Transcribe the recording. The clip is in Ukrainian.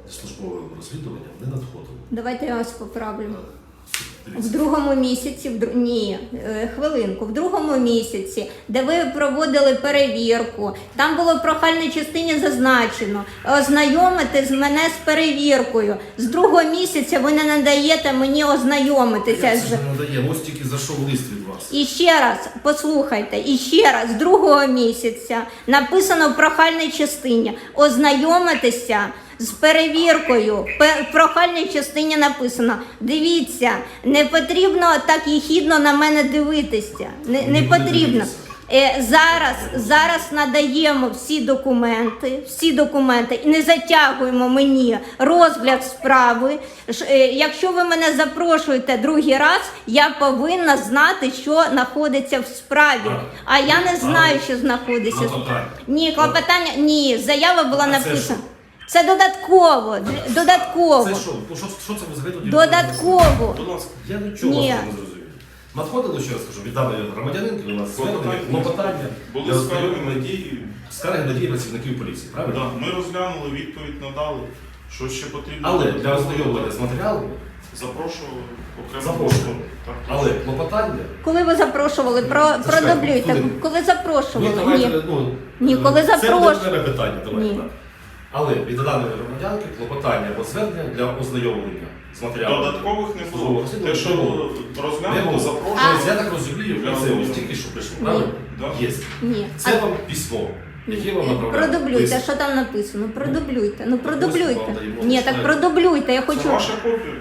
службовим розслідуванням не надходило. Давайте я вас поправлю. В Дивіться. другому місяці, хвилинку, в другому місяці, де ви проводили перевірку, там було в прохальній частині зазначено ознайомити мене з перевіркою. З другого місяця ви не надаєте мені ознайомитися Я з... це ж не надає, ось тільки зайшов лист від вас. І ще раз, послухайте, і ще раз, з другого місяця написано в прохальній частині ознайомитися з перевіркою. В прохальній частині написано: дивіться, не потрібно так єхідно на мене дивитися. Не потрібно. Зараз надаємо всі документи і не затягуємо мені розгляд справи. Якщо ви мене запрошуєте другий раз, я повинна знати, що знаходиться в справі. А я не знаю, що знаходиться. Ні, клопотання, ні, заява була написана. Це додатково. Це що? Що це ви взагалі тоді? Додатково. Будь ласка, я нічого Ні. не зрозумів. Надходило, що я скажу, від даної громадянинки у нас звернення, клопотання, Були скарги на дії. скарги на дії працівників поліції, правильно? Да, ми розглянули, відповідь надали. Що ще потрібно? Але для ознайомлення з матеріалами Запрошували окремо. запрошували. Так, Але клопотання... Коли ви запрошували, продублюйте. хвилинку. Коли запрошували? давайте, Ні, коли Це запрошували. не питання, давайте. Ні. Так. Але від даної громадянки клопотання або звернення для ознайомлення з матеріалами. Додаткових не Службового було. розслідування Те, що не було. розглянуто, Тобто, запрошували. я так розумію, Для це ось ознайомлення. тільки що прийшло, правильно? Да. Є. Ні. Це вам письмо, яке вам направляє. Продублюйте, що там написано. Продублюйте. Ну Ось вам продублюйте. даємо Ні, так читати. продублюйте, я Це хочу. ваша копія.